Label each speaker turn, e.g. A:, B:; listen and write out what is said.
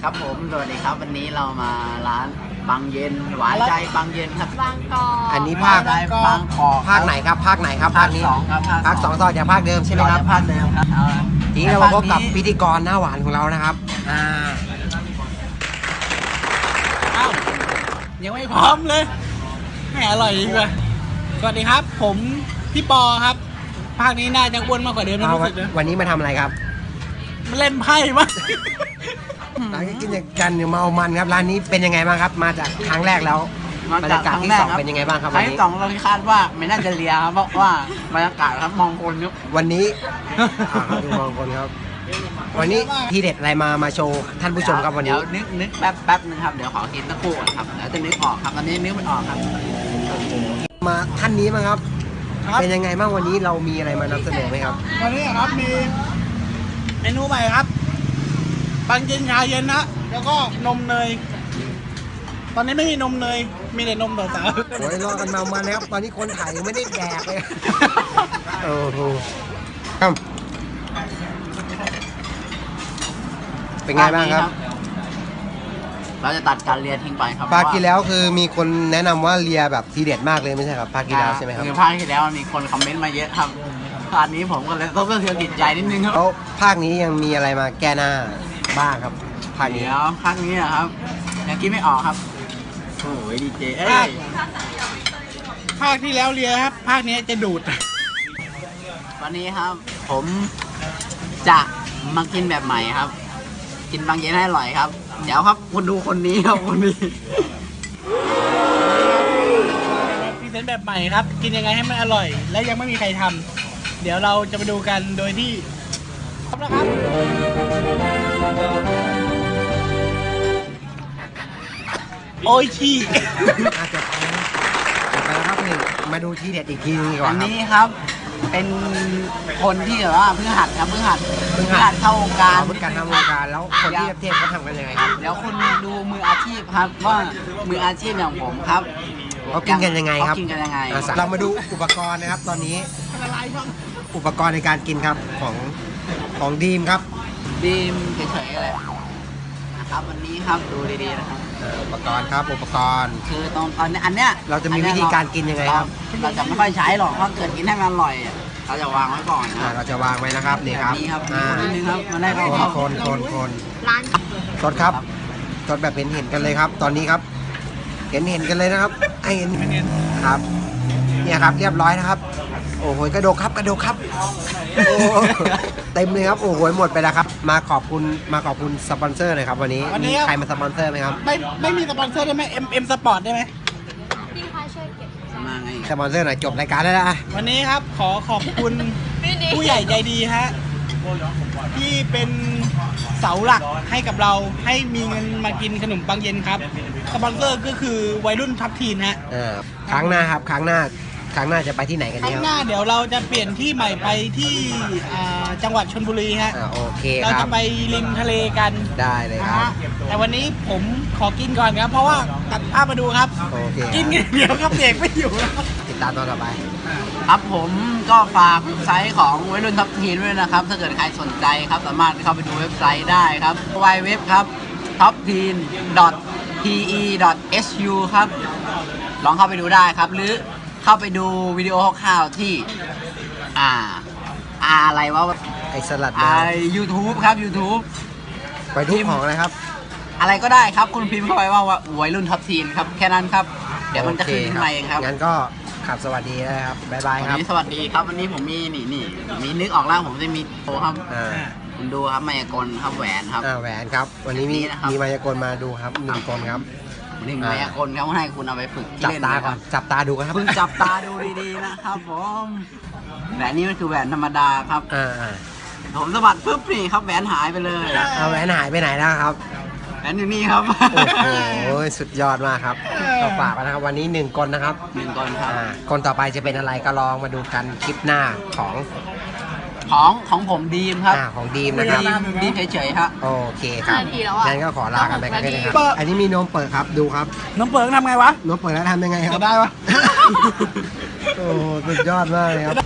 A: ครับผมสวัสดีครับวันนี้เรามาร้านบางเย็นหวานใจบางเย็นครับ
B: บางกอก
C: อันนี้ภาค
A: บางกอก
C: ภาคไหนครับภาคไหนครับ
A: ภาค
C: นี้
A: สองครับ
C: ภาคสองต่อจากภาคเดิมใช่ไหมครับ
A: ภาคเดิมครับ
C: ทีนี้เรามาพบกับพิธีกรหน้าหวานของเรานะครับ
D: อ้าวยังไม่พร้อมเลยแหมอร่อยดีกว่าสวัสดีครับ ผมพี่ปอครับ ภาคนี้น่าจะอ้วนมากกว่าเดิมนะรู้สึกนะ
C: วันนี้มาทำอะไรครับ
D: มันเล่นไพ่มั้ง
C: ร้านกินกันเมามันครับร้านนี้เป็นยังไงบ้างครับ มาจากครั้งแรกแล้วบรรยากาศที่สองเป็นยังไงบ้างครับ
A: ค
C: วั
A: รั้
C: น
A: ง
C: นี้
A: ที่สองเราคาดว่าไม่น่าจะเลียครับเพราะว่าบรรยากาศครับมองคนยุบ
C: วันนี้ดูมองคนครับ วันนี้ทีเด็ดอะไรมาโชว์ท่านผู้ชมครับวัน
A: เดี๋
C: นี้
A: ยวนึกแป๊บนึงครับเดี๋ยวขอกินตะคู่ก่อนครับเดี๋ยวจะนึกออกครับตอนนี้นึกไม่ออกครับ
C: มาท่านนี้มั้งครับ
D: ครับ
C: เป็นยังไงบ้างวันนี้เรามีอะไรมานำเสนอไหมครับ
D: วันนี้ครับมีเมนูใหม่ครับบางเย็นชาเย็นนะแล้วก็นมเนย ตอนนี้ไม่มีนมเนยมีแต่นมสาว
C: โอ้ยรอกันมานะครับตอนนี้คนถ่ายยังไม่ได้แดกเลยโอ้โหครับเป็นไงบ้างครับ
A: เราจะตัดการเลียทิ้งไปครับ
C: ภาคที่แล้วคือมีคนแนะนำว่าเลียแบบทีเด็ดมากเลยไม่ใช่ครับภาคที่แล้วใช่ไหมครับ
A: คือภาคที่แล้วมีคนคอมเมนต์มาเยอะครับภาคนี้ผมก็เลยต้องเสียจิตใจนิดนึงครับ
C: แล้วภาคนี้ยังมีอะไรมาแก้หน้าบ้างครับภาคนี้
A: เดี๋ยวภาคนี้นะครับยังคิดไม่ออกครับโอ้ยดีเจเอ้ย
D: ๆภาคที่แล้วเลียครับ ภาคนี้จะดูด
A: วันนี้ครับ ผมจะมากินแบบใหม่ครับ กินบางเย็นให้อร่อยครับเดี๋ยวครับคุณดูคนนี้ครับคนนี้
D: พรีเซนต์แบบใหม่ครับ กินยังไงให้มันอร่อย และยังไม่มีใครทำเดี๋ยวเราจะมาดูกันโดยที่พร้อมแล้วครับโอ้ยขี้
C: จบไปแล้วครับหนึ่งมาดูทีเด็ดอีกทีนึงดีก
A: อั
C: ว่าน ครับ
A: นี้ครับเป็นคนที่แบบว่าเพิ่งหัดครับเพิ่งหัดเข้าวงการ
C: เพื่อการทำวงการแล้วคนที่เทพเขาทำกันยังไงครับ
A: เดี๋ยวคุณดูมืออาชีพครับว่ามืออาชีพอย่างผมครับ
C: เขากินกันยังไงครับ
A: เขากินกันยังไง
C: เรามาดูอุปกรณ์นะครับ ตอนนี้อุปกรณ์ในการกินครับของดีมครับ
A: ดีมเฉยๆเลยนะครับวันนี้ครับดูดีๆนะครับ
C: อุปกรณ์ครับอุปกรณ์
A: คือตอนอันเนี้ย
C: เราจะมีวิธีการกินยังไงครับ
A: เราจะไม่ค่อยใช้หรอกเพราะเกิดกินให้มันอร่อยเราจะวางไว้ก่อนนะ
C: เราจะวางไว้นะครับนี่ครับ
A: แบบนี้ครับนิดนึงครับมันได้เข้า
C: คน
B: ร้าน
C: สดครับสดแบบเห็นกันเลยครับ ตอนนี้ครับ เห็นกันเลยนะครับไอ้เห็นครับเนี่ยครับเรียบร้อยนะครับ โอ้โหกระโดกครับโอ้เต็มเลยครับโอ้โหหมดไปแล้วครับมาขอบคุณสปอนเซอร์หน่อยครับวันนี้มีใครมาสปอนเซอร์ไหมครับ
D: ไม่มีสปอนเซอร์ได้ไหม M Sport ได้ไหม
B: พี่คะช่วยเก็บ
A: มาไง
C: สปอนเซอร์หน่อยจบรายการแล้วนะ
D: วันนี้ครับขอขอบคุณผู้ใหญ่ใจดีฮะที่เป็นเสาหลักให้กับเราให้มีเงินมากินขนมปังเย็นครับสปอนเซอร์ก็คือวัยรุ่นทัพทีนฮะ
C: ครั้งหน้าครับครั้งหน้าจะไปที่ไหนกัน
D: ครั้
C: เนี่
D: ง
C: ย
D: หน้าเดี๋ยวเราจะเปลี่ยนที่ใหม่ไปที่จังหวัดชลบุรีฮะ
C: โอเค
D: เรา
C: ครั
D: จะ
C: บ
D: ไปริมทะเลกัน
C: ได้เลย
D: นะครับ ฮะแต่วันนี้ผมขอกินก่อนครับ เพราะว่าตัดภาพมาดูครับ
C: โอเค
D: กินเดี๋ยวครับเด็กไม่อยู่แล้ว
C: ติดตามตอนต่อไป
A: ครับผมก็ฝากเว็บไซต์ของวัยรุ่นท็อปทีนด้วยนะครับ ถ้าเกิดใครสนใจครับสามารถเข้าไปดูเว็บไซต์ได้ครับ www ครับ topteen.pe.su ครับลองเข้าไปดูได้ครับ หรือเข้าไปดูวิดีโอคร่าวๆที่อะไรวะ
C: ไอสลัด
A: YouTube ครับ YouTube
C: ไปทุกของเลยครับ
A: อะไรก็ได้ครับ คุณพิมพ์เข้าไปว่าวัยรุ่นท็อปทีนครับ แค่นั้นครับ เดี๋ยวมันจะขึ้นมาเองครับ
C: งั้นก็ขับสวัสดีนะครับบ๊ายบาย
A: วัน
C: ครับ
A: นี้สวัสดีครับ วันนี้ผมมีมีนึกออกแล้วผมจะมีโชว์ครับ คุณดูครับมายากลครับแหวนครับ
C: แหวนครับ วันนี้มี
A: นี่นะครับ
C: มีมายากลมาดูครับหนึ่งคนครับ
A: หนึ่งมายากลครับให้คุณเอาไปฝึกที่
C: จับ
A: เล่น
C: ตา
A: นะค
C: ก่อ
A: รั
C: น
A: บ
C: จับตาดูกันครับ
A: เพิ่งจับตาดูดีๆนะครับผมแหวนนี้มันคือแหวนธรรมดาครับ ผมสะบัดปุ๊บนี่ครับแหวนหายไปเลย
C: เอาแหวนหายไปไหนแล้วครับ
A: แหวนอยู่นี่ครับ
C: โอ้โหสุดยอดมากครับก็ฝากไว้นะครับวันนี้หนึ่งคนนะครับ
A: หนึ่งคนครับ
C: คนต่อไปจะเป็นอะไรก็ลองมาดูกันคลิปหน้าของ
A: ของผมดีมครับ
C: ของดีมนะครับ
A: ดีมเฉยๆครับ
C: โอเคครับ
B: 5 นาทีแล้วอะ
C: งั้นก็ขอลากันไปกันด้วยนะครับ อันนี้มีนมเปิดครับดูครับ
D: น้องเปิงทำไงวะ
C: นมเปิดแล้วทำยังไงครับ
D: จะได้ปะ
C: โอ้สุดยอดมากเลยครับ